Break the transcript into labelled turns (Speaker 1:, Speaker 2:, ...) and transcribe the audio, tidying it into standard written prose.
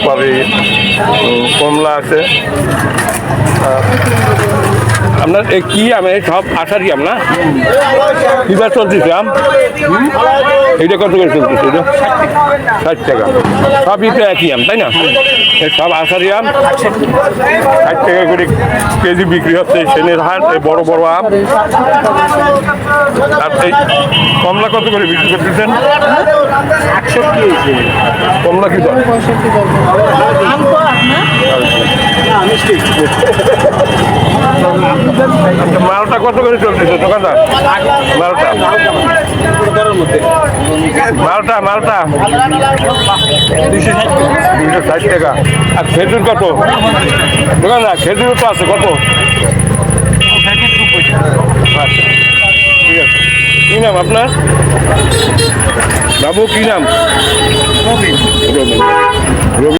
Speaker 1: সুপারি, কমলা আছে। আপনার কি আম? এই সব আষাঢ়ি আম না? কিবার চলতেছে আম? এইটা কত করে চলতেছে? এটা 60 টাকা। সবই তো একই আম, তাই না? সব আষাঢ়ি আম 60 টাকা করে কেজি বিক্রি হচ্ছে। সেনের হাট, এই বড় বড় আম। আর এই কমলা কত করে বিক্রি করতেছেন? কমলা কি দাম? মালটা কত করে চলতেছে দোকানদার? মালটা মালটা মালটা 260 টাকা। আর খেজুর কত দোকানদার? খেজুর তো আছে কত? আচ্ছা, ঠিক আছে। কি নাম আপনার বাবু? কি নাম? রবি।